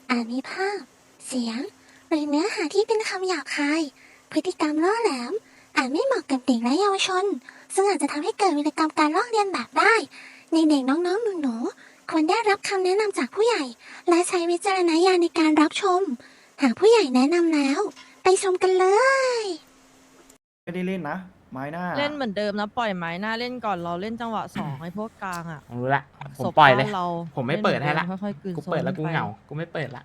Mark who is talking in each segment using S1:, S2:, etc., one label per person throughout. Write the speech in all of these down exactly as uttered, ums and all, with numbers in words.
S1: อาจมีภาพ เสียง หรือเนื้อหาที่เป็นคำหยาบคาย พฤติกรรมล่อแหลม อาจไม่เหมาะกับเด็กและเยาวชน ซึ่งอาจจะทำให้เกิดวิกรรมการลอกเลียนแบบได้ ในเด็กน้องๆหนูๆควรได้รับคำแนะนำจากผู้ใหญ่ และใช้วิจารณญาณในการรับชม หากผู้ใหญ่แนะนำแล้ว ไปชมกันเลย
S2: ไม่ได้เล่นนะ ไม้หน้า
S3: เล่นเหมือนเดิมนะปล่อยไม้หน้าเล่นก่อนเราเล่นจังหวะสองไอ้พวกกลางอ่ะ
S4: ผมรู้ละผม
S3: ศพ
S4: ปล่อยเลย
S3: บ้านเรา
S4: ผมไม่เปิดให้ละ
S3: เล่นเหมือนเดิมค่อยๆกลืน
S4: กูเปิดแล้ว
S3: โซ
S4: กู
S3: นไป
S4: เหงากูไม่เปิดละ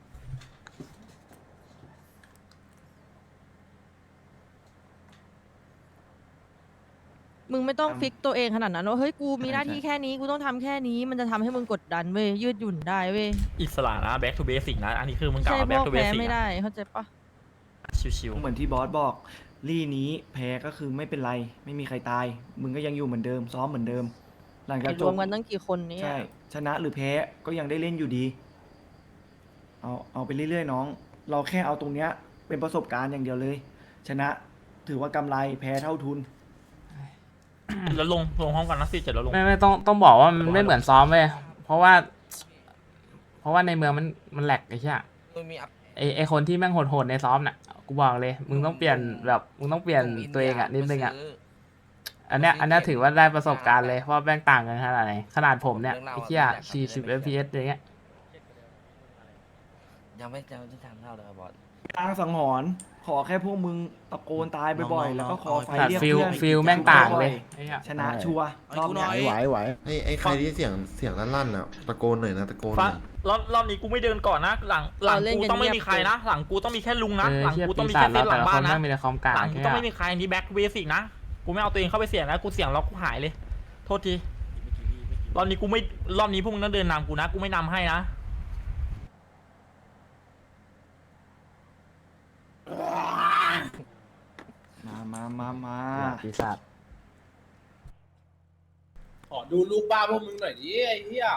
S3: มึงไม่ต้อง
S2: อืม
S3: ฟิกตัวเองขนาดนั้นว่าเฮ้ยกูมีหน้าที่แค่นี้กูต้องทำแค่นี้มันจะทำให้มึงกดดันเว้ยยืดหยุ่นได้เว้ย
S5: อิสระนะ back to basic นะ อันนี้คือมึงกล่าว
S3: ใช่
S5: ว่า
S3: พว
S5: back
S3: ก
S5: to
S3: แพ้
S5: basic
S3: ไม่
S5: นะ
S3: ได้เข้าใจปะ
S5: ชิว
S2: เหมือนที่บอสบอก ลี่นี้แพ้ก็คือไม่เป็นไร ไม่มีใครตาย มึงก็ยังอยู่เหมือนเดิม ซ้อมเหมือนเดิม หลังจาก
S3: ไอ้
S2: จ
S3: รว
S2: บ
S3: มกันตั้งกี่คนเนี่ย
S2: ใช่ ชนะหรือแพ้ก็ยังได้เล่นอยู่ดี เอาเอาไปเรื่อยๆน้อง เราแค่เอาตรงเนี้ยเป็นประสบการณ์อย่างเดียวเลย ชนะถือว่ากำไรแพ้เท่าทุน
S5: ๆแล้วลงลงห้องกันนะสิเจ็ดแล้วลง
S4: ไม่ไม่ต้องต้องบอกว่ามันไม่เหมือนซ้อมเว้ยเพราะว่า เพราะว่าในเมืองมันมันแหลกไอ้เหี้ยไอไอคนที่แม่งโหดๆในซ้อมน่ะกูบอกเลย มึงต้องเปลี่ยนแบบมึงต้องเปลี่ยนตัวเองอ่ะนิดนึงอ่ะอันเนี้ยอันเนี้ยถือว่าได้ประสบการณ์เลยเพราะแม่งต่างกันขนาดไหนขนาดผมเนี่ยไอ้เหี้ยสี่สิบ เอฟ พี เอส อย่างเงี้ย
S6: ยังไม่จะที่ทำเท่าเลยครับบอส
S2: กลางสังหรณ์ขอแค่พวกมึงตะโกนตายบ่อยๆ แล้วก็คอไฟ
S4: แต่
S2: เรียก
S4: ฟิล
S2: เพื่อน
S4: ฟิลแม่งต่างเลยไอ้เหี้ย
S2: ชนะชัวร์รอบเนี้ย
S7: ไหวไหวไอ้ไอ้ใครที่เสียงเสียงลั่นๆอ่ะตะโกนหน่อยนะตะโกนห
S5: ฟ้า
S7: น่อย
S5: รอบรอบนี้กูไม่เดินก่อนนะ หลังหลังกูต้องไม่มีใครนะ หลังกูต้องมีแค่ลุงนะ
S4: เออ
S5: หลัง
S4: เหี้ย
S5: กูต้อง
S4: ปี
S5: มี
S4: ศา
S5: แค่
S4: จ
S5: เส้
S4: เรา
S5: นหลั
S4: แต่
S5: ง
S4: ละค
S5: บ้าน น
S4: แม่
S5: นะ
S4: งมีแต่คอมกลาง
S5: หลังกู
S4: แค่
S5: ต้องไม่มีใครนี่ back to basic นะ กูไม่เอาตัวเองเข้าไปเสี่ยงนะ กูเสี่ยงแล้วกูหายเลย โทษที รอบนี้กูไม่ รอบนี้พวกมึงต้องเดินนำกูนะ กูไม่นำให้นะ
S2: มามามามา
S4: ปีศาจ
S8: ขอดูลูกบ้าพวกมึงหน่อยดิไอ้เหี้ย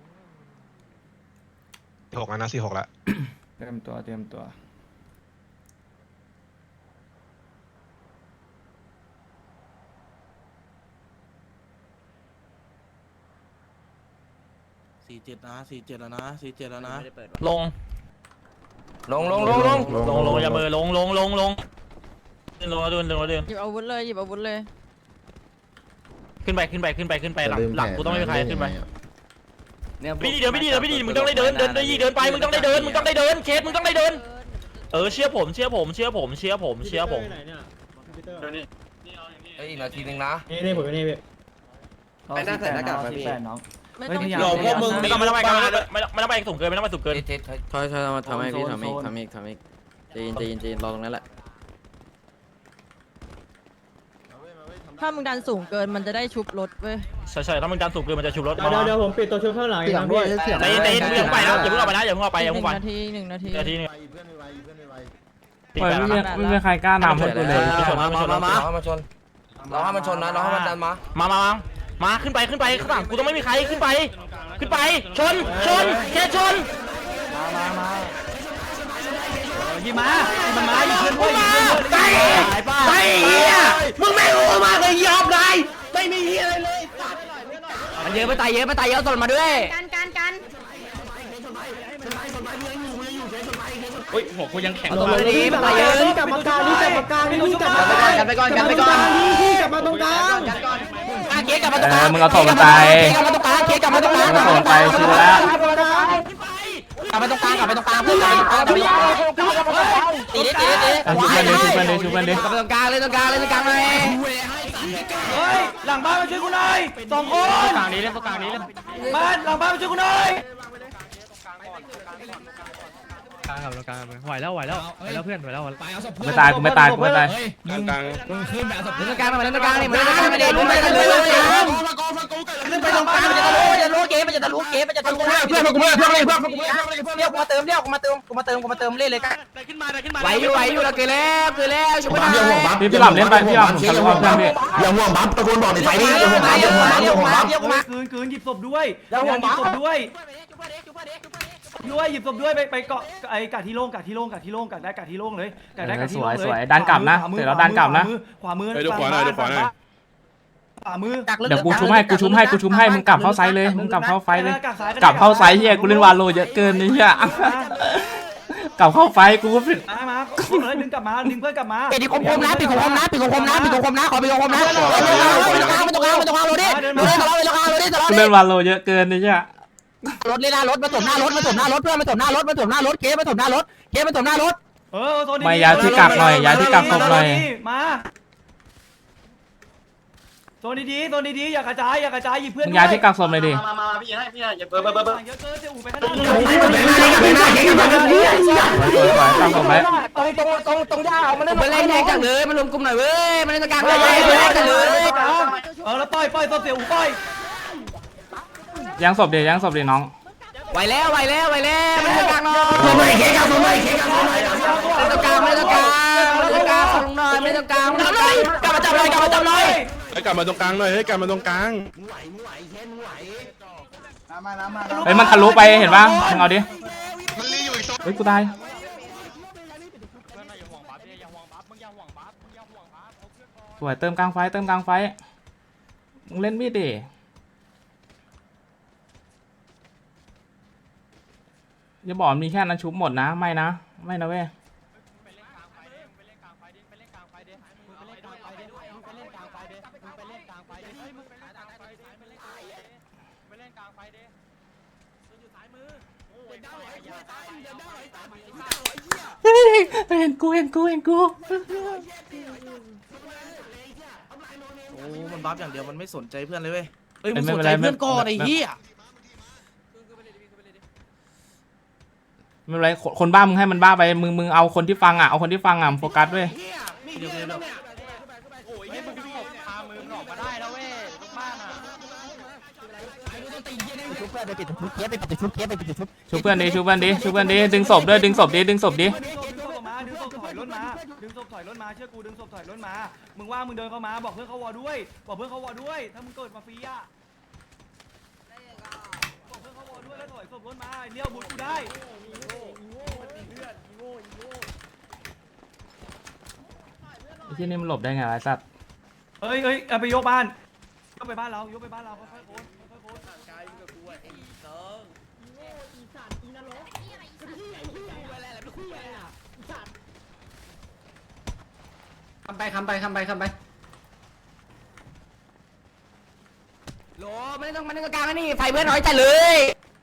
S7: หกแล้วนะสี่หกแล้ว
S2: เตรียมตัวเตรียมตัว
S8: สี่เจ็ดนะสี่เจ็ดแล้วนะสี่เจ็ดแล้วนะ
S5: ลง
S6: ลงลงลงลง
S5: ลงลงอย่าเบอร์ลงลงลงลงเดินลงแล้วเดินลงแล้วเดิน
S3: หยิบอาวุธเลยหยิบอาวุธเลย
S5: ขึ้นไปขึ้นไปขึ้นไปขึ้นไปหลังหลังกูต้องไม่มีใครขึ้นไป
S6: เนี่ย
S5: ไม่ดีเดินไม่ดีเดินไม่ดีมึงต้องได้เดินเดินได้ยี่เดินไปมึงต้องได้เดินมึงต้องได้เดินเคสมึงต้องได้เดินเออเชื่อผมเชื่อผมเชื่อผมเชื่อผมเชื่อผม
S6: เอ้ยอีกนาทีนึงนะ
S2: นี่นี่ผมนี่พี่
S6: ไปหน้าใส่หน้ากากไปพี่
S2: แปดน้อง
S3: ไม่
S2: เฮ้ย
S3: ต้อง
S2: พยายาม
S8: หลอกพวกมึง
S5: ไม่ต้องไม่ต้องไปไม่ต้องไม่ต้องไม่ต้องไปสูงเกินไม่ต้องไปสูงเกิน
S6: เจ็ดเจ็ด
S9: ถอยถอยมาทำให้พี่
S2: โซน
S9: ทำอีก
S2: โซน
S9: ทำอีกทำอีกใจเย็นใจเย็นใจเย็นรอตรงนั้นแหละ
S3: ถ้ามึงดันสูงเกินมันจะได้ชุบรถเว้ย
S5: ใช่ใช่ถ้ามึงดันสูงเกินมันจะชุบรถ
S2: เดี๋ยวเดี๋ยวผมปิดตัวชุดข้างหลัง
S7: เสียงด้วยเสียง
S5: ใจเย็นใจเย็นอย่าเพิ่งไปนะอย่าเพิ่งออกไปนะอย่าเพิ่งออกไปอย่า
S3: ห
S5: เพิ่
S3: นึ่
S5: ง
S3: ง
S5: ไป
S3: นาทีหนึ่งนาที
S5: นาทีนึง
S7: เพื่อนไม่ไหวเพื่อนไม่ไหว
S5: ตี
S4: ปล่อย
S5: แปด
S4: ไม่
S5: แล้ว
S4: มี
S5: นะ
S4: ไม่มีใครกล้านำให้กูเลย
S6: มามามามามามาชนรอให้มันชนนะรอให้มันดันมา
S5: มามามามาขึ้นไปขึ้นไปข้างหลังกูต้องไม่มีใครขึ้นไป ขึ้นไปชนชนแค่ชน
S2: มามามา
S5: ยิงมายิงมามายิงเพื่อนด้วยยิงเพื่อนด้วยไปเฮียมึงไม่รู้มากเลยยอมเลยไม่มีเฮียอะไรเลยมันเยอะไปตายเยอะไปตายเยอะสนมาด้วย
S1: การการการ
S5: เฮ้ยหัวกูยังแข็ง
S2: ตัวนี้กลับมากลางนี่กลับมากลางนี่กลับมากลางนี่กลับมากลาง
S5: กันไปก่อนกันไปก่อน
S2: นี่กลับมาตรงกลาง
S5: อ่ะเก๊กลับมาตรงกลาง
S4: เออมึงเอาศพมันไป
S5: เก๊กลับมาตรงกลางเก๊กลับมาตรงกลาง
S4: มึงเอาศพมันไปชิวแล้ว
S5: กลับมาตรงกลางกลับมาตรงกลางเพื่อนกลับมาตรงกลางตีดิตีดิตีดิ
S4: เอาชุบมันดิชุบมันดิชุบมันดิ
S5: กลับมาตรงกลางเลยตรงกลางเลยตรงกลางเลย
S2: เฮ้ยหลังบ้านมาช่วยกูหน่อยสองคน
S5: กลางนี้เล่นตรงกลางนี้เล่น
S2: บ้านหลังบ้านมาช่วยกูหน่อย
S5: ไหวแล้วไหวแล้วไหวแล้วเพื่อนไหวแล้ว
S4: กูไม่ตายกูไม่ตายกูไม่ตาย
S5: เล่นตรงกลางมาเล่นตรงกลางนี่มาเล่นตรงกลางมาเล่นตรงกลางมาเล่นตรงกลางขึ้นไปตรงกลางมันจะทะลุมันจะทะลุเกมมันจะทะลุเกมมันจะทะลุเพื่อนกูเพื่อนเพื่อนเพื่อนกูเรียกกูมาเติมเรียกกูมาเติมกูมาเติมกูมาเติมเล่นเลยกันไหวอยู่ไหวอยู่เราเกิดแล้วเกิดแล้วช่วยหน่อย
S4: พี่พี่หลับเล่นไปพี่หลับผมทะลุเอาเพื่อนพี่
S7: อย่าห่วงบัฟตะโกนบอกในไฟนี่อย่าห่วงบัฟอย่าห่วงบัฟอย่าห่วงบัฟ
S5: เรียกกูมา
S2: คืนคืนหยิบศพด้วยหยิบศพด้วยด้วยหยิบศพด้วยไปไปเกาะไอ้กาดที่โล่งกาดที่โล่งกาดที่โล่งกาดได้กาดที่โล่งเลยกาดได้กาดที่โล่งเลยขวามือ
S4: เดี๋ยวเราดันกลับนะ
S2: ขวามือ
S8: ไปดูขวาหน่อยดูขวาหน่อย
S2: ขวามือ
S4: เดี๋ยวกูชุบให้กูชุบให้กูชุบให้มึงกลับเข้าไซส์เลยมึงกลับเข้าไฟเลยกลับเข้าไซส์เฮียกูเล่นวาโลเยอะเกินนี่เฮียกลับเข้าไฟกูก็ผิด
S2: มามาเลยดึงกลับมาดึงเพื่อนกลับมา
S5: ปิดคมคมนะปิดคมคมนะปิดคมคมนะปิดคมคมนะขอปิดคมคมนะไม่ต้องการไม่ต้องการไม่ต้องการรถดิไม่ต้องการไม่ต้องการรถดิ
S4: กูเล่นวาโลเยอะเกินนี่เฮีย
S5: รถเลยนะรถมาถมหน้ารถมาถมหน้ารถเพื่อนมาถมหน้ารถมาถมหน้ารถเก๊มาถมหน้ารถเก๊มาถมหน้ารถ
S2: เออโซน
S4: ไม่ย้ายที่กักหน่อยย้ายที่กักศพหน่อย
S2: มาโซนดีๆโซนดีๆอย่ากระจายอย่ากระจายหยิบเพื่อน
S4: มึงย้ายที่กักศพเลยดิ
S6: มามาพี่ให้พี่ให้อย่าเบิร์เบิร์เบิร์
S2: เยอะเกินจะอู่ไปข้างหน้า
S4: สวยๆกักศพไว้
S5: ตรงตรงตรงตรงย่ามันมันเล่นแรงจังเลยมันรวมกลุ่มหน่อยเว้ยมันเล่นตะการเลยเล่นจังเลย
S2: เออแล้วปล่อยปล่อยโซนเสียอู่ปล่อย
S4: ยังศพเดียวยังศพเดียวน้อง
S5: ไหวแล้วไหวแล้วไหวแล้วมันเล่นตะการหน่อยไม่เก๊กไม่เก๊กไม่ตะการไม่ตะการไม่ตะการลงหน่อยไม่ตะการกลับมาจับเลยกลับมาจับเลย
S8: ให้กลับมาตรงกลางหน่อยให้กลับมาตรงกลาง
S4: เฮ้ยมันทะลุไปเห็นปะมึงเอาดิเฮ้ยกูตายสวยเติมกลางไฟเติมกลางไฟมึงเล่นมีดดิอย่าบอกมีแค่นั้นชุบหมดนะไม่นะไม่นะเว้ยเห็นกูเห็นกูเห็นกู
S8: โอ้มันบัฟอย่างเดียวมันไม่สนใจเพื่อนเลยเว้ยเอ้ย
S4: ไม่
S8: มัน
S4: เป็
S8: สน
S4: น
S8: ใจ
S4: ไร
S8: เพื่อนก่อนไอ้เหี้ย
S4: ไม่เป็นไรคนบ้ามึงให้มันบ้าไปมึงมึงเอาคนที่ฟังอ่ะเอาคนที่ฟังอ่ะโฟกัสด้วย
S8: เดี๋ยวเดี๋ยวเดี๋ยว
S5: ชุบเพื่อนไปปิดชุบเก๊ไปปิดชุบเก๊ไปปิดชุบ
S4: ชูเพื่อนดิชูเพื่อนดิชูเพื่อนดิดึงศพด้วยดึงศพดิดึงศพดิ
S2: ดึงศพมาดึงศพถอยรถมาดึงศพถอยรถมาเชื่อกูดึงศพถอยรถมามึงว่ามึงเดินเข้ามาบอกเพื่อนเขาวอด้วยบอกเพื่อนเขาวอด้วยถ้ามึงเกิดมาฟรีอ่ะบอกเพื่อนเขาวอด้วยแล้วถอยศพรถมาเลี้ยวบุญกูได้
S4: ไอ้ที่นี่มันหลบได้ไงไอ้สัตว์
S2: เฮ้ยเฮ้ยเอาไปยกบ้านยกไปบ้านเรายกไปบ้านเราค่อยๆโอนค่อยๆโอน
S5: คำไปคำไปคำไปคำไปโหลไม่ต้องมันต้องกลางนี่ไฟเพื่อนน้อยจัดเลย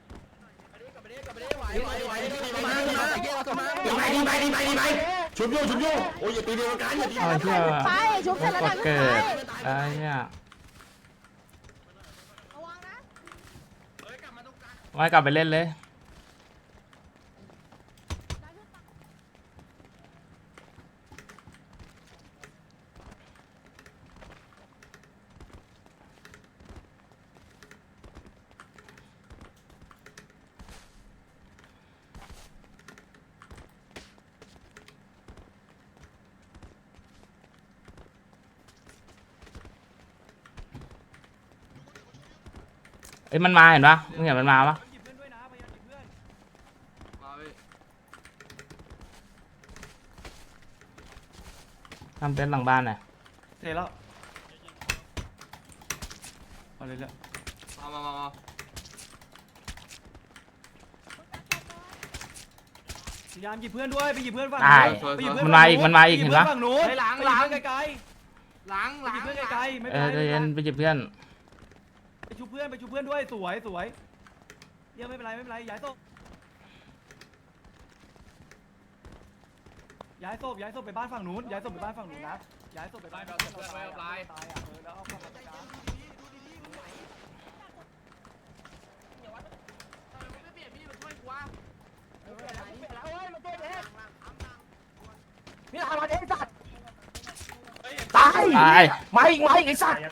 S5: ชุบโยชุบโยโอ้ยอย่าตีเดียวกันอย่าตี
S4: ไอ้เหี้ยไปชุบเสร็จแล้วเกิดไอ้เหี้ยไม่กลับไปเล่นเลยเอ้ยมันมาเห็นปะมึงเห็นมันมาปะ
S2: หยิบเพื่อนด้วยนะพยายามหยิบเพื่อน
S4: ทำเต็นท์หลังบ้านหน่อย
S2: เสร็จแล้วเอาเลยละ
S6: มามามา
S2: พยายามหยิบเพื่อนด้วยไปหยิบเพื่อนฝั่ง
S4: ตาย
S2: ไปหยิบเพื่อน
S4: มันมาอีกมันมาอีกเห็นปะ
S2: ฝั่งนู้น
S6: หลัง
S2: ไป
S6: หลัง
S2: หยิบเพื่อนไกล
S6: หลัง
S2: ๆ
S6: ห
S2: ไป
S6: ลั
S2: หยิบ
S6: ง
S2: เพื่อนไกลๆไม่
S4: เอ
S2: เป็น
S4: อ
S2: ไร
S4: ใจเย็นไปหยิบเพื่อน
S2: ไปชูเพื่อนไปชูเพื่อนด้วยสวยสวยเดี๋ยวไม่เป็นไรไม่เป็นไรย้ายศพย้ายศพย้ายศพไปบ้านฝั่งนู้นย้ายศพไปบ้านฝั่งนู้นนะย้ายศพไปบ้านฝั่งนู้นตายอ่ะตายอ่ะเออแล้วเอาเข้ามาตรงกลาง
S5: นี่ทำมาเด็กสัตว์ตาย
S4: ตาย
S5: มาอีกมาอีกไอ้สัตว์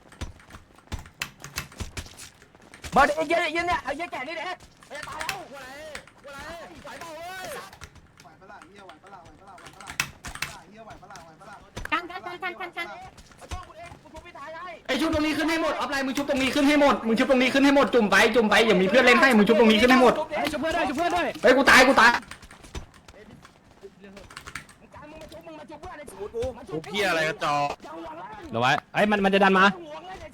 S5: มาเด็กเยอะเยอะเนี่ยไอ้เยอะแก่นี่เด็กไม่ตายแล้วหัวไหนหัวไหนไหวเปล่าเว้ย
S1: กันกันกันกันกันกัน
S5: ไอ้ชุบตรงนี้ขึ้นให้หมดอัพไลน์มึงชุบตรงนี้ขึ้นให้หมดมึงชุบตรงนี้ขึ้นให้หมดจุ่มไปจุ่มไปอย่ามีเพื่อนเล่นให้มึงชุบตรงนี้ขึ้นให้หมด
S3: ชุบเพื่อนด้วยชุบเพื่อนด้วย
S5: เฮ้ยกูตายกูตาย
S8: พวกเหี้ยอะไรกระจอก
S3: เดี๋ยวไว้ไอ้มันมันจะดันมา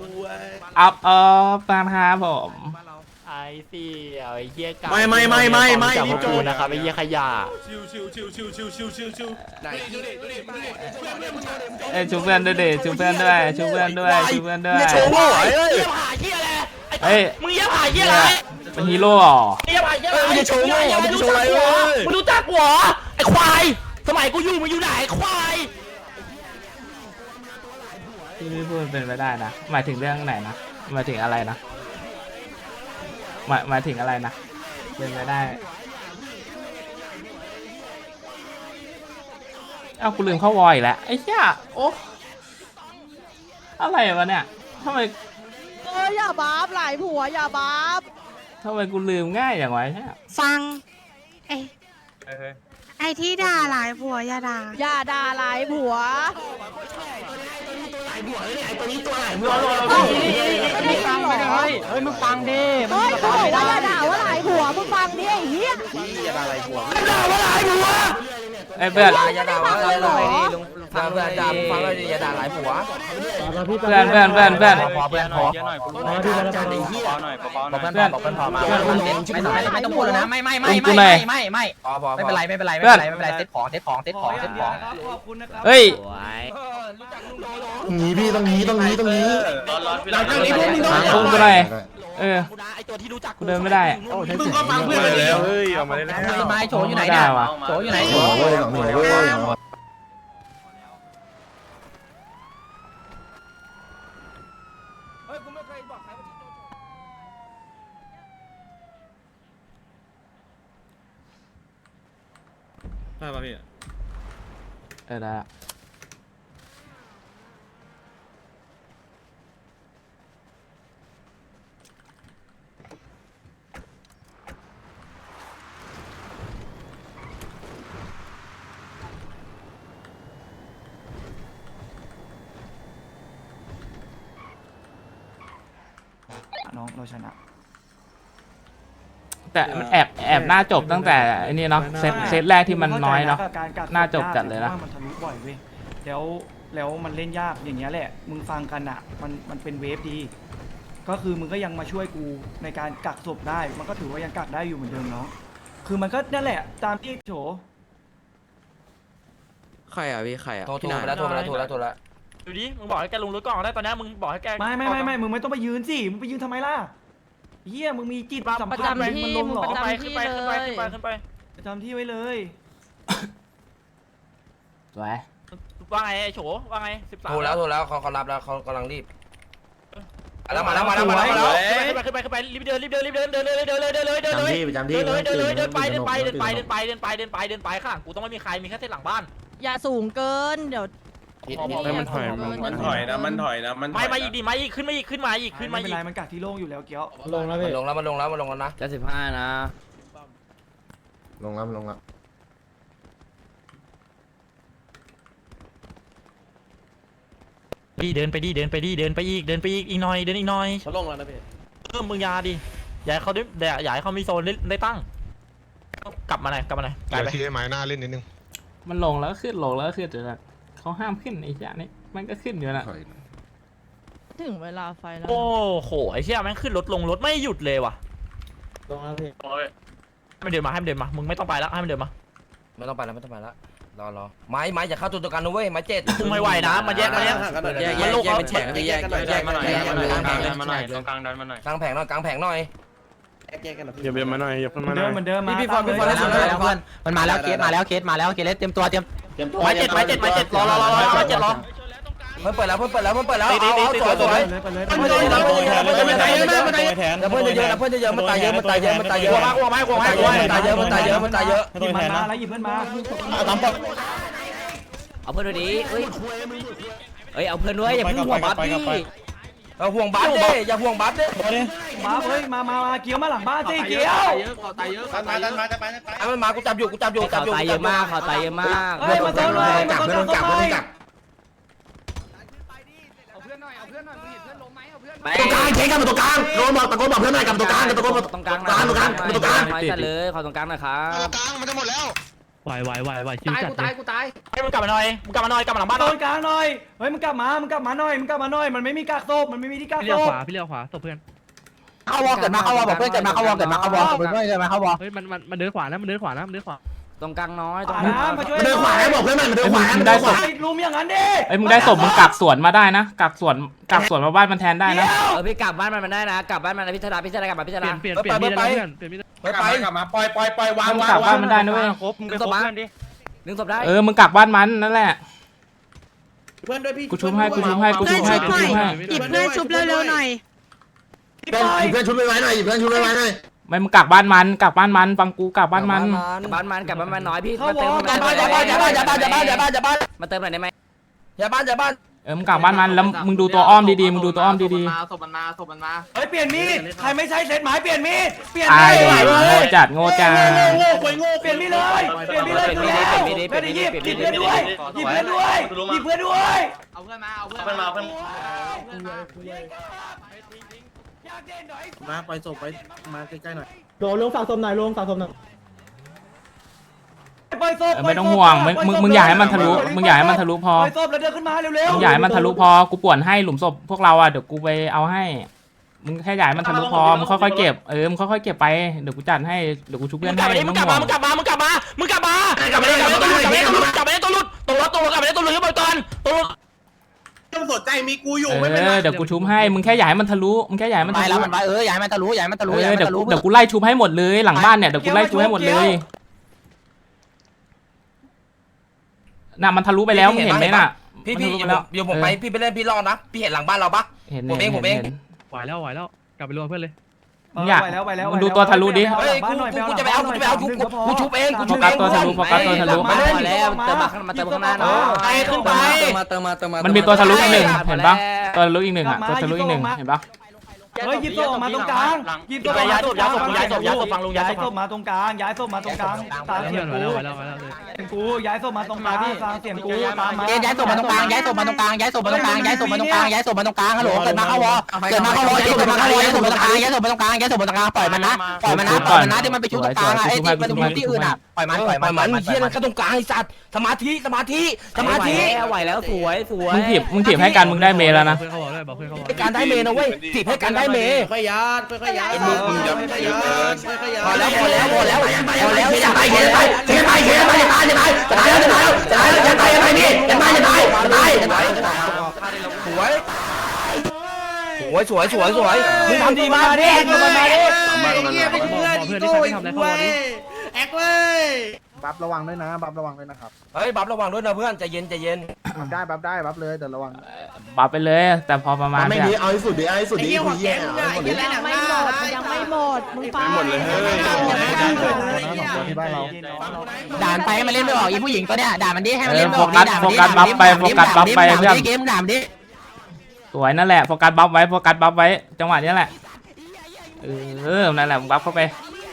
S4: อัพเออฟานครับผม
S8: ไอ้สี่ไอ้เหี้ยกา
S10: ไม่ไม่ไม่ไม่ไม่
S8: จาก
S10: รี
S8: พ
S10: บ
S8: วก
S10: จ
S8: กู
S10: บ
S8: นะครับไอ้เหี้ยขยะ
S10: ชิวชิวชิวชิวชิวชิวชิวชิวไหนดูดิดูดิดูดิเพื่อนเพื่อนมึง
S4: เอ้ยชูเพื่อนด้วยดิชูเพื่อนด้วยชูเพื่อนด้วยชูเพื่อนด้วย
S10: โชว์โว้ยเอ้ย
S8: เหี้ยผ่าเหี้ยอะไร
S4: เฮ้ย
S8: มึงเหี้ยผ่าเหี้ยอะไร
S4: เป็นฮีโร่เหรอ
S8: เหี้ยผ่าเหี้ยอะไร
S10: มึงจะโชว์โว้มึงจะโชว์อะไรเว้ย
S8: มึงรู้จักกูเหรอไอ้ควายสมัยกูอยู่มึงอยู่ไหนไอ้ควาย
S4: ที่พี่พูดเป็นไปได้นะหมายถึงเรื่องไหนนะหมายถึงอะไรนะหมายหมายถึงอะไรนะเป็นไปได้เอ้ากูลืมเข้าวอยอีกแล้วไอ้เหี้ยโอ้อะไรวะเนี่ยทำไม
S3: เอ้ยอย่าบาปหลายผัวอย่าบาป
S4: ทำไมกูลืมง่ายอย่างวะเนี่ย
S11: ฟังไอ้ไอ้ที่ด่าหลายผัวอย่าด่า
S3: อย่าด่าหลายผัว
S5: ไม่ฟังไม่ได้เฮ้ยมึงฟังดิ
S3: เฮ้ยเขาบอกว่าอย่าด่าว่าหลายผัวมึงฟังดิไอ้เหี้ย
S4: ไอ้เพื่อน
S6: อย่าด่าว่าอะไรเลยลุงฟังเพื่อนด่าฟังเลยอย่าด่าหลายผัว
S4: เพื่อนเพื่อนเพื่อนเพื่อน
S6: พอเพื่อนพอพอที่เราจะได้เหี้ยบอกเพื่อนพอบอกเพื่อนพอมาไม่ต้องไม่ต้องพูดเลยนะไม่ไม่ไม่ไม่ไม่ไม่ไม่พอพอไม่เป็นไรไม่เป็นไรไม่เป็นไรไม่เป็นไรเซ็ตของเซ็ตของเซ็ตของเซ็ตของ
S4: เฮ้ย
S7: ตรงนี้พี่ตรงนี้ตรงนี้ตรงนี้
S10: หลังจากนี้พวกมึงต้อง
S4: หาพุ่งกูหน่อยเออ
S8: ไอ้ตัวที่รู้จัก
S4: กูเดินไม่ได้อะ
S10: มึงก็ฟังเพื่อนเลยเฮ้ยออกมาได้แล้ว
S6: ไม้โฉอยู่ไหนเนี่ยโฉอยู่ไหนโฉ
S7: หลังหัวเว้ยหลังหัวเว้ยหลังหัว
S10: ได้ป่ะพี่
S4: เออได้ละ
S2: น้องเราชนะ
S4: แต่มันแอบแอบหน้าจบตั้งแต่ไอ้นี่เนาะเซตเซตแรกที่มันน้อยเนาะ
S2: การกัก
S4: น่าจบจัดเลยนะ
S2: ว่ามันทะลุบ่อยเว้ยแล้วแล้วมันเล่นยากอย่างเงี้ยแหละมึงฟังกันอ่ะมันมันเป็นเวฟดี ก็คือมึงก็ยังมาช่วยกูในการกักศพได้ มันก็ถือว่ายังกักได้อยู่เหมือนเดิมเนาะคือมันก็นั่นแหละตามที่โฉ
S9: ใครอ่ะพี่ใครอ่ะ
S6: โทรโทรไปแล้วโทรไปแล้วโทรแล้วโทรแล้ว
S5: ดูดิมึงบอกให้แกลงรถก่อนได้ตอนนี้มึงบอกให้แก
S2: ไม่ไม่ไม่ไม่มึงไม่ต้องไปยืนสิมึงไปยืนทำไมล่ะเฮียมึงมีจิตสัม
S3: ประ
S2: ผัส
S3: จำที่
S2: มันลง
S3: มึง
S2: เหรอ
S3: ประจำ
S5: ไป
S3: ที่
S5: ขึ้นไป
S3: เล
S5: ขึ้นไป
S3: ย
S5: ขึ้นไปขึ้นไป
S2: จำที่ไว้เลย
S4: สวย
S5: ว่าไงไอ้โฉว่าไงสิบสาม
S6: โทรแล้วโทรแล้วเขาเขารับแล้วเขากำลังรีบแล้วมาแล้วมาแล้วมาแล้วมาแล้ว
S5: ขึ้นไปขึ้นไปขึ้นไปรีบเดินรีบเดินรีบเดินเดินเลยเดินเลยเดินเลยเดินเลย
S7: จำที่ประจำที่
S5: เดินเลยเดินเลยเดินไป
S7: ม่
S5: เดินไป
S7: ตื่
S5: เดินไป
S7: ม่
S5: เดินไป
S7: ตื่
S5: เดินไปเดินไปเดินไปข้างหลังกูต้องไม่มีใครมีแค่เส้นหลังบ้าน
S3: อย่าสูงเกินเดี๋ยว
S10: มันถอยมันถอยนะมันถอยนะมัน
S5: ไม่มาอีกดิมาอีกขึ้นมาอีกขึ้นมาอีกขึ้นมา
S2: ไม่เป็
S5: อี
S2: น
S5: ก
S2: ไรมันกักที่โล่งอยู่แล้วเกี้ยว
S6: ลงแล้วพี่ลงแล้วมันลงแล้วมันลงแล้วนะ
S9: จะสิบห้านะ
S7: ลงแล้วลงแล้ว
S5: ดีเดินไปดีเดินไปดีเดินไปอีกเดินไปอีกอีกหน่อยเดินอีกหน่อย
S10: เขาลงแล้วนะพี่
S5: เพิ่มมึงยาดิอย่าให้เขาได้อย่าให้เขามีโซนได้ตั้งกลับมาหน่อยกลับมาหน่อยไกลไป
S10: ทีไม้หน้าเล่นนิดนึง
S4: มันลงแล้วก็ขึ้นลงแล้วก็ขึ้นอยู่นะเขาห้ามขึ้นไอ้เหี้ยนี่มันก็ขึ้นอยู่นะ
S7: ถอย
S3: ถึงเวลาไฟแล้ว
S5: โอ้โหไอ้เชี่ยแม่งขึ้นรถลงรถไม่หยุดเลยว่ะ
S6: ลงแล้วพี่
S5: ให้มันเดินมาให้มันเดินมามึงไม่ต้องไปแล้วให้มันเดินมา
S6: ไม่ต้องไปแล้วไม่ต้องไปแล้วรอรอไม้ไม้อย่าเข้าตัวตัวกันนะเว้ยไม้เจ็ด
S5: มึงไม่ไหวนะมันแยกมันแยก
S9: แยกแยกแยกเป็นแฉกแยกแยกแยก
S10: มาหน่อย
S9: แยก
S10: มาหน่อย
S9: แยก
S10: กลาง
S9: แย
S10: ดั
S9: ก
S10: นมาหน่อยตรงกลางดันมาหน่อย
S6: กลางแผงหน่อยกลางแผงหน่อย
S10: อย่าเบียมาหน่อยอย่า
S2: เห
S10: มา
S2: มือน
S10: หน่
S2: เดิ
S10: อ
S2: ม
S10: ย
S2: เหมือนเดิมมา
S6: พี่ฟอนพี่ฟอน
S2: ตามเลย
S6: แล้วเพื่อนมันมาแล้วเคสมาแล้วเคสมาแล้วเคสเตรียมตัวเตรียม
S5: ไม้เจ็ดไม้เจ็ดไม้เจ็ดรอรอรอรอไม้เจ็ดรอ
S6: เพิ่มเปิดแล้วเพิ่มเปิดแล้วเพิ่มเปิดแล้ว
S5: ตีตีตีตี
S6: สวยสวย
S2: เลยไปเลย
S6: เพื่อนเยอะเพื่อนเยอะเพื่อนเยอะมันตายเยอะมากมันตายเยอะแล้วเพื่อนเยอะแล้วเพื่อนเยอะมันตายเยอะมันตายเยอะมันตายเย
S5: กลั
S6: อะ
S5: วมากลัวมากลัวมาก
S6: มันตายเยอะมันตายเยอะมันตายเยอะมันตายเยอะ
S2: หยิบมันมาแล้วหยิบเพื่อนมา
S6: ตามปก
S9: เอาเพื่อนด้วยดิเอ้ยเอ้ยเอาเพื่อนด้วยอย่าเพิ่งห่วงบัฟดิ
S6: เอาห่วงบัฟดิอย่าห่วงบัฟดิ
S2: มาเฮ้ยมามามาเกี้ยวมาหลังบ้านสิเกี้ยว
S10: ตายเยอะตายดันมาจะไปจะไป
S6: เอามันมากูจับอยู่กูจับอยู่จับ
S9: เขา
S6: อยู่
S9: ตายเยอะมากเขาตายเยอะมาก
S2: เฮ้ยมาโซนเลยมาโซนกลับมาโซนกลับ
S9: ไป
S7: ตรงกลางเช็คกันมาตรงกลางโดนบอกตะโกนบอกเพื่อนหน่อยกับตรงกลางกับตะโกนบอก
S9: ตรงกลาง
S7: ตรงกลางตรงกลาง
S9: ไม้จัดเลยขอตรงกลางหน่อยครับ
S10: กลางมันจะหมดแล้ว
S8: ไหวไหวไหวไหวชิวจัดเลย
S5: ให้มึงกลับมาหน่อยมึงกลับมาหน่อยกลับมาหลังบ้านห
S2: โซ
S5: น่อย
S2: นกลางหน่อยเฮ้ยมึงกลับมามึงกลับมาหน่อยมึงกลับมาหน่อยมันไม่มีกักศพมันไม่มีที่กัก
S8: พี่
S2: ศ
S8: เลี้ยว
S2: พ
S8: ขวาพี่เลี้ยวขวาตบเพื่อน
S6: เข้าวอลเกิดมาเข้าวอลบอกเพื่อนเกิดมาเข้าวอลเกิดมาเข้าวอลเพื่อนเกิดมาเข้าวอล
S8: เฮ้ยมันมันมันเดินขวานะมันเดินขวานะมันเดินขวา
S9: ตรงกลางน้อยตรง
S2: อ่าก
S9: ลาง
S2: นะมาช่วย
S7: เดินขวาให้บอกเพื่อนหน่อยเดินขวา
S4: มึงได้ศพ
S2: ไอ้ลุมอย่างนั้นดิ
S4: เอ้ยมึงได้ศพมึงกักสวนมาได้นะกักสวนกักสวนมาบ้านมันแทนได้นะ
S9: เออพี่กลับบ้านมันมันได้นะกลับบ้านมันนะพิจารณาพิจารณากลับมาพิจาร
S8: เปลี่
S9: ณาย
S8: นเปลี่ยนเปลี่ยนมีดแล้วเพื่อนเปลี่ยนมีด
S6: ไปไป
S10: กลับมาปล่อยปล่อยปล่อยวาง
S4: มึง
S10: วาง
S4: กักบ้านมันได้นะเว้ย
S10: ครบมึงไปครบเพื่อนดิ
S9: ดึงศพได้
S4: เออมึงกักบ้านมันนั่นแหละ
S10: เพื่อนด้วยพี่
S4: กูชุบให้กูชุบให้กูชุบให้กูชุบให้
S11: หยิบเพื่อนชุบเร็วๆหน่อย
S7: เพื่อนเพื่อนชุบไว้หน่อยเพื่อนชุบไว้หน่อย
S4: ไม่มึงกักบ้านมันกักบ้านมันฟังกูกักบ้านมัน
S9: บ้านมันกลับบ้านมันน้อยพี่มาเติม
S6: อย่าบ้านอย่าบ้านอย่าบ้านอย่าบ้านอย่าบ้านอย่าบ้านอย่าบ้าน
S9: มาเติมหน่อยได้ไหม
S6: อย่าบ้านอย่าบ้าน
S4: เออมึงกักบ้านมันแล้วมึงดูตัวอ้อมดีๆมึงดูตัวอ้อมดี
S8: ศพมันมาศพมันมา
S2: เฮ้ยเปลี่ยนมีดใครไม่ใช่เซตหมายเปลี่ยนมีดเปลี่ยน
S4: ๆตาย
S2: มีด
S4: โง่จัดโง่จัด
S10: โง่ควยโง่
S2: เปลี่ยนมีดเลยเปลี่ยนมีดเลยเพื่อนหยิบหยิบเพื่อนด้วยหยิบเพื่อนด้วยหยิบเพื่อนด้วย
S8: เอาเพื่อนมาเอาเพื่อน
S10: เพื่อนมาเพื่อน
S8: มาปล่อยศพไปมาใกล้ๆหน่อย
S2: ปล่อยศพ
S4: เออไม่ต้องห่วงมึงมึงมึงอย่าให้มันทะลุมึงอย่าให้มันทะลุพอ
S2: ปล่อยศพแล้วเดินขึ้นมาเร็วๆ
S4: มึงอย่าให้มันทะลุพอกูป่วนให้หลุมศพพวกเราอ่ะเดี๋ยวกูไปเอาให้มึงแค่อย่าให้มันทะลุพอมึงค่อยๆเก็บเออมึงค่อยๆเก็บไปเดี๋ยวกูจัดให้เดี๋ยวกูชุบ
S5: มึ
S4: เพื่อน
S5: งกลับ
S4: ให้
S5: มาดิมึ
S4: ไม่
S5: ง
S4: ต้
S5: ก
S4: อ
S5: ลั
S4: ง
S5: บ
S4: ห่
S5: มาว
S4: ง
S5: มึงกลับมามึงกลับมามึงกลับมากลับมากลับมาตัวหลุดกลับมาตัวหลุดกลับมาตัวหลุดตัวตัวกลับมาตัวหลุดตัวหลุดตัวหลุด
S10: ต้องสนใจมีกูอยู่
S4: เอ
S10: ไม่เป็น
S4: อ
S10: ไร
S4: เดี๋ยวกูชุบให้มึงแค่อย่าให้มันทะลุมึงแค่อย่าให้มัน
S6: ไป
S4: ทะ
S6: แล้
S4: ลุ
S6: วมันไปเอออย่าให้มันทะลุอย่าให้มันทะลุ
S4: เอ
S6: อย่า
S4: อ
S6: ให้มัน
S4: เดี๋ยว
S6: ทะลุ
S4: กูเดี๋ยวกูไล่ชุบให้หมดเลยหลังบ้านเนี่ยเดี๋ยวกูไล่ชุบให้หมดเลยน่ะมันทะลุไปแล้วมึงเห็นไหมน่ะ
S6: พี่
S4: มัน
S6: พี่
S4: ทะลุไปแล้ว
S6: เดี๋ยวผมไปพี่ไปเล่นพี่รอดนะพี่เห็นหลังบ้านเราปะ
S4: เห็น
S6: ผมเองผมเอง
S4: ห็น
S8: ไหวแล้วไหวแล้วกลับไปรวมเพื่อนเลย
S4: มึงอยาก
S2: ไปแล้วไปแล้ว
S4: มึงดูตัวทะลุดิ
S6: เฮ้ยกูกูจะไปเอากูจะไปเอาชุบกูชุบเองกู
S4: โฟ
S6: ชุบ
S4: กั
S6: เอ
S4: ส
S6: ง
S4: ตัวทะลุโฟกัสตัวทะลุ
S6: มาเล่น
S9: มาแล้วเติมมามาเติมข้างหน้าหน่อย
S5: ไปขึ้นไป
S9: เติมมาเติมมาเติมมา
S4: มันมีตัวทะลุอีกหนึ่งเห็นปะตัวทะลุอีกหนึ่งอ่ะตัวทะลุอีกหนึ่งเห็นปะ
S2: เฮ้ยยิบศพออกมาตรงกลางยิบศพย้ายศพย้ายศพย้ายศพย้ายศพฟังลุงย้ายศพมาตรงกลางย้ายศพมาตรงกลางตามเสียงกูเสียงกูย้ายศพมาตรงกลางฟังเสียงกูตามมา
S6: ย้ายศพมาตรงกลางย้ายศพมาตรงกลางย้ายศพมาตรงกลางย้ายศพมาตรงกลางย้ายศพมาตรงกลางฮัลโหลเกิดมาเข้าวอเกิดมาเข้าวอเกิดมาเข้าวอย้ายศพมาตรงกลางย้ายศพมาตรงกลางย้ายศพมาตรงกลางปล่อยมันนะปล่อยมันนะปล่อยมันนะที่มันไปชุบตรงกลางอ่ะไอ้ที่มันไปชุบที่อื่นอ่ะปล่อยมันปล่อยมันมันเฮียนั่นก็ตรงกลางไอ้สัตว์สมาธิสมาธิสมาธิ
S9: ไหวแล้วสวยสวย
S4: มึงถีบมึงถีบให้กันมึงได้เมแล้วนะ
S6: ให้การได้เมนะเว้ยจีบให้การได้เม
S8: ค่อยยัดค่อยยัด
S10: มึงอย่า
S8: ค่อยยัดค่อยยัด
S6: พอแล้วพอแล้วพอแล้วพอแล้วอย่าไปเขียนไปเขียนไปเขียนไปอย่าตายอย่าตายจะตายจะตายจะตายจะตายอย่าตายนี่อย่าตายอย่าตายอย่าตายอย่าตายสวยสวยสวยสวยสวยมึงทำดีมากดิมึงมาดิ
S8: เงี้ยเป็นเพื่อนอีโก้อีกเว้ยแอคเว้ย
S5: บัฟระวังด้วยนะบัฟระวังด้วยนะครับ
S6: เฮ้ยบัฟระวังด้วยนะเพื่อนใจเย็นใจเย็น
S5: บัฟได้บัฟได้บัฟเลยแต่ระวัง
S4: บัฟไปเลย แต่พอประมาณ
S7: ไม่
S4: เนี่ย
S7: ดีเอาให้สุดดิเอาให้สุดดิ
S8: ไอ้เงี้ยหัวแกงอ่ะไอ้เงี้ยอะไรหนักหน้า
S3: ยังไม่หมดมึงฟัง
S10: หมดเลยเฮ้ย
S5: ที่บ้านเรา
S6: ด่านไปให้มันเล่นไม่ออกอีผู้หญิงตัวเนี้ยด่ามันดิให้มัน
S4: เอ
S6: เล่
S4: อน
S6: ไม่
S4: โฟ
S6: ออก
S4: กัสโฟกัสบัฟไปโฟกัสบัฟไปเพื่อน
S6: เกมด่ามันดิ
S4: สวยนั่นแหละโฟกัสบัฟไว้โฟกัสบัฟไว้จังหวะนี้แหละเออนั่นแหละมึงบัฟเข้าไป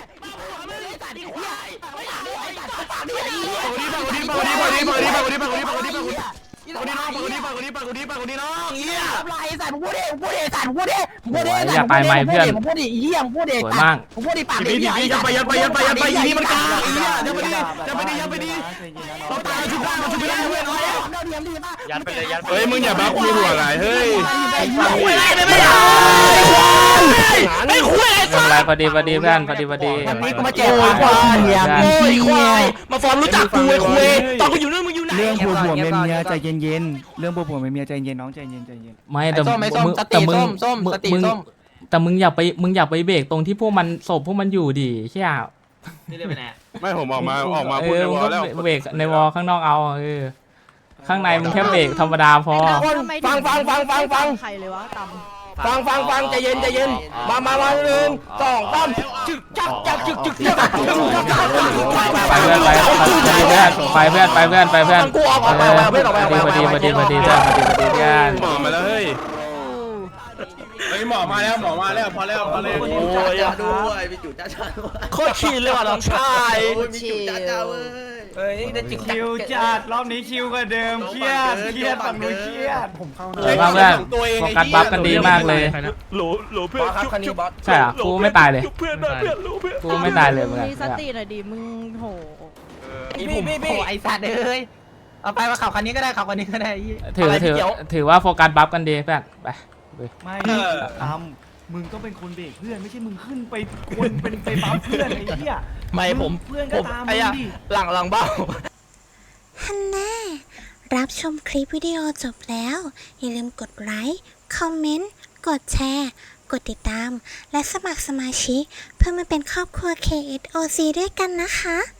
S6: ไอ้สัตว์มึงพูดดิมึงพูดดิสัตว์มึงพูดดิมึงพูดดิ
S4: อย่าตายไหมเพื่อน
S6: มึงพูดดิเหี้ยมึงพูดดิ
S4: สวยมาก
S6: มึงพูดดิปาก
S10: ดี
S6: ดิ
S10: ดียัดไปยัดไปยัดไปยัดไปอีนี่มันกล้าอีเนี่ยยัดไปดิยัดไปดิยัดไปดิเราตายชุบได้เราชุบไม่ได้เว้ยน้อยยัดไปเลยยัดเฮ้ยมึงอย่าบ้าคุยหัวไหลเฮ้ยไอ้ฟังไม่ได้ไม่ได้ไอ้คุย
S4: ไม่เป็นไรพอดีพอดีเพื่อนพอดีพอดี
S6: วันนี้กูมาแจกควายเหี้ยโง่ควายมาฟอนรู้จักกูไอ้คุยตอนกูอยู่นู่นมึงอยู่ไหน
S2: เรื่องผัวผัวเมียเมียใจเย็นเย็นเรื่องผัวผัวเมียเมียใจเย็นน้องใจเย็นใจเย็น
S4: ไม่แต่
S6: ส้มไม่ส้ม
S4: มึง
S6: ส
S4: แต่
S6: ติ
S4: มึง
S6: ส้มส้ม
S4: มึง
S6: สติ
S4: มึง
S6: ส้ม
S4: แต่มึงอย่าไปมึงอย่าไปเบรกตรงที่พวกมันศพพวกมันอยู่ดิใช่ไหม
S10: ไม่ผมออกมาออกมา
S4: เอ
S10: พูด
S4: อ
S10: ใน
S4: มึ
S10: ว
S4: ง
S10: อ
S4: ก็
S10: ลแล้ว
S4: เบรกในวอลข้างนอกเอาเออข้างในมึงแค่เบรกธรรมดาพอ
S6: ฟังฟังฟังฟังฟัง
S3: ใครเลยวะตำ
S6: ฟังฟังฟังใจเย็นใจเย็นมามามาหนึ่งสองสามจึกจักจักจึกจึกจัก
S4: ไปเพื่อนไปไปเพื่อนไปเพื่อนไปเพื่อนไปเพื่อนเออพอดีพอดีพอดีพอดีเพื่อนพอดีพอดีเพื่อน
S10: หมอมาแล้วเฮ้ยเฮ้ยหมอมาแล้วหมอมาแล้วพอแล้วพอแล้ว
S8: โอ้ยด้วยไปจุดจ้าจ้าด้วย
S6: โคตรชินเลยว่ะน้องชาย
S8: โอ้ยมีจุดจ้าจ้าเว้ย
S6: เฮ้ยได้จึกจัก
S2: คิวจัดรอบนี้คิวกว่าเดิมเครียดเครียดฝั่งนู้นเครียด
S5: ผมเข้า
S4: สวยมากเพื่อนโฟกัสบัฟกันดีมากเลย
S10: โหลโหลเพื่อน
S6: ครับคันนี้บอส
S4: ใช่เหรอกูไม่ตายเลย
S10: เพื่อนเพื่อนรู้เพื่อน
S4: กูไม่ตายเลยเหมือนกัน
S3: มีสติหน่อยดิมึงโห
S6: พี่พี่พี่ไอสัตว์เอ้ยเอาไปมาขับคันนี้ก็ได้ขับคันนี้ก็ได้
S4: ถือถือถือว่าโฟกัสบัฟกันดีเพื่อนไป
S2: ไม่ตามมึงต้องเป็นคนเบรกเพื่อนไม่ใช่มึงขึ้นไปคนเป็นไปบัฟเพื่อนไอ้เหี้ย
S6: ไม่ผม
S2: เพื่อนก็ตามมึงดิ
S6: หลังหลังเบ้า
S1: ฮันน่ารับชมคลิปวิดีโอจบแล้ว อย่าลืมกดไลค์ คอมเมนต์ กดแชร์ กดติดตาม และสมัครสมาชิกเพื่อมาเป็นครอบครัว เค เอส โอ ซี ด้วยกันนะคะ